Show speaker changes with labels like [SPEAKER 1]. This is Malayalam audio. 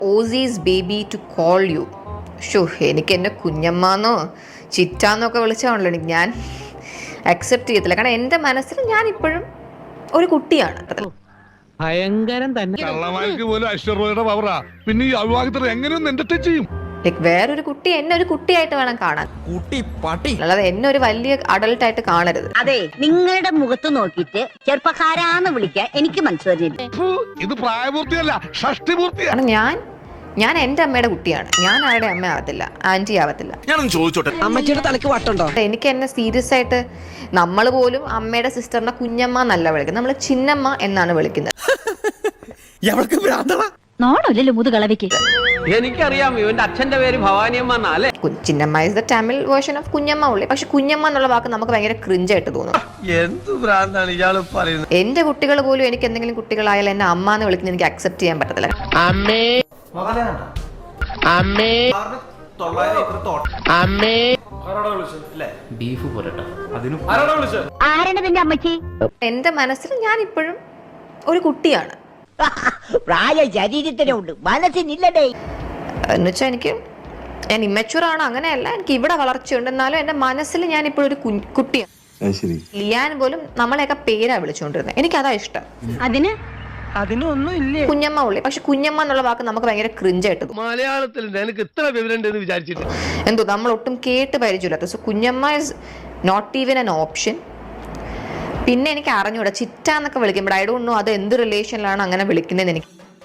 [SPEAKER 1] Aussies baby to call you. ഷോ, എനിക്ക് എൻ്റെ കുഞ്ഞമ്മാന്നോ ചിറ്റാന്നൊക്കെ വിളിച്ചാണല്ലോ ഞാൻ അക്സെപ്റ്റ് ചെയ്യത്തില്ല. കാരണം എൻ്റെ മനസ്സിൽ ഞാൻ ഇപ്പോഴും ഒരു കുട്ടിയാണ്.
[SPEAKER 2] ഭയങ്കരം തന്നെ.
[SPEAKER 3] കള്ളമാർക്ക് പോലും ഐശ്വര്യയുടെ പവറാ. പിന്നെ ഈ അവിവാഹിതർ എങ്ങനെയൊന്നും എന്റർടൈൻ ചെയ്യും?
[SPEAKER 1] ലൈക്ക് വേറൊരു കുട്ടി എന്നെ ഒരു കുട്ടിയായിട്ട് വേണം കാണാൻ, അല്ലാതെ എന്നെ ഒരു വലിയ അഡൾട്ട് ആയിട്ട് കാണരുത്.
[SPEAKER 4] അതെ, നിങ്ങളുടെ മുഖത്ത് നോക്കിയിട്ട് ചെറുപ്പക്കാരാന്ന് വിളിക്കാൻ എനിക്ക് മനസ്സിലായില്ല.
[SPEAKER 3] ഇത് പ്രായപൂർത്തിയല്ല, ഷഷ്ടിപൂർത്തിയാ.
[SPEAKER 1] കാരണം ഞാൻ എൻ്റെ അമ്മയുടെ കുട്ടിയാണ്. ഞാൻ ആരുടെ അമ്മ ആവത്തില്ല, ആന്റി ആവത്തില്ല.
[SPEAKER 5] ഞാനൊന്ന് ചോദിച്ചോട്ടെ,
[SPEAKER 2] അമ്മച്ചിയുടെ തലക്ക് വട്ടുണ്ടോ?
[SPEAKER 1] എനിക്ക് എന്നെ സീരിയസ് ആയിട്ട് നമ്മൾ പോലും അമ്മയുടെ സിസ്റ്ററിനെ കുഞ്ഞമ്മ എന്നല്ല വിളിക്കുന്നത്, നമ്മൾ ചിന്നമ്മ എന്നാണ് വിളിക്കുന്നത്.
[SPEAKER 4] നോണല്ലോ മുതുകളവയ്ക്ക്.
[SPEAKER 2] എനിക്കറിയാം ഇവന്റെ അച്ഛന്റെ പേര് ഭവാനിയമ്മ എന്നല്ലേ.
[SPEAKER 1] Chinnamma is the Tamil version of Kunjamma ഉള്ളി. പക്ഷെ കുഞ്ഞമ്മ എന്നുള്ള വാക്ക് നമുക്ക് ഭയങ്കര ക്രിഞ്ചായിട്ട് തോന്നും.
[SPEAKER 5] എന്ത് ഭ്രാന്താണ് ഇയാള് പറയുന്നത്?
[SPEAKER 1] എന്റെ കുട്ടികൾ പോലും എനിക്ക് എന്തെങ്കിലും കുട്ടികളായാലും എന്നെ അമ്മ എന്ന് വിളിക്കുന്നത് എനിക്ക് അക്സെപ്റ്റ് ചെയ്യാൻ പറ്റത്തില്ല.
[SPEAKER 2] അമ്മേ അമ്മേ അമ്മേ
[SPEAKER 4] ആരാണ് നിന്റെ അമ്മച്ചി?
[SPEAKER 1] എന്റെ മനസ്സിൽ ഞാൻ ഇപ്പോഴും ഒരു കുട്ടിയാണ്.
[SPEAKER 4] പ്രായ ശരീരത്തിനുണ്ട്, മനസ്സിനില്ലടേ.
[SPEAKER 1] എന്നുവെച്ചാൽ ഞാൻ ഇമ്മച്യൂർ ആണ്, അങ്ങനെയല്ല. എനിക്ക് ഇവിടെ വളർച്ചയുണ്ട്, എന്നാലും എന്റെ മനസ്സിൽ ഞാൻ ഇപ്പോഴും ഒരു കുട്ടിയാണ്. ലിയാൻ പോലും നമ്മളെയൊക്കെ പേരാ വിളിച്ചുകൊണ്ടിരുന്നത്. എനിക്കതാ ഇഷ്ടം.
[SPEAKER 2] അതിനൊന്നും ഇല്ലേ
[SPEAKER 1] കുഞ്ഞമ്മ ഉള്ളി. പക്ഷെ കുഞ്ഞമ്മ എന്നുള്ള വാക്ക് നമുക്ക് ഭയങ്കര ക്രിഞ്ചായിട്ട് തോന്നും.
[SPEAKER 5] മലയാളത്തിൽ എനിക്ക് ഇത്ര വിവരം വിചാരിച്ചിട്ട്
[SPEAKER 1] എന്തോ നമ്മൾ ഒട്ടും കേട്ട് പരിചയമില്ലാത്ത. So Kunjamma is not even an option. പിന്നെ എനിക്ക് അറിഞ്ഞൂടാ ചിറ്റ എന്നൊക്കെ വിളിക്കുമ്പോൾ ഐ ഡോണ്ട് നോ അത് എന്ത് റിലേഷനിലാണ് അങ്ങനെ വിളിക്കുന്നതെന്ന് എനിക്ക്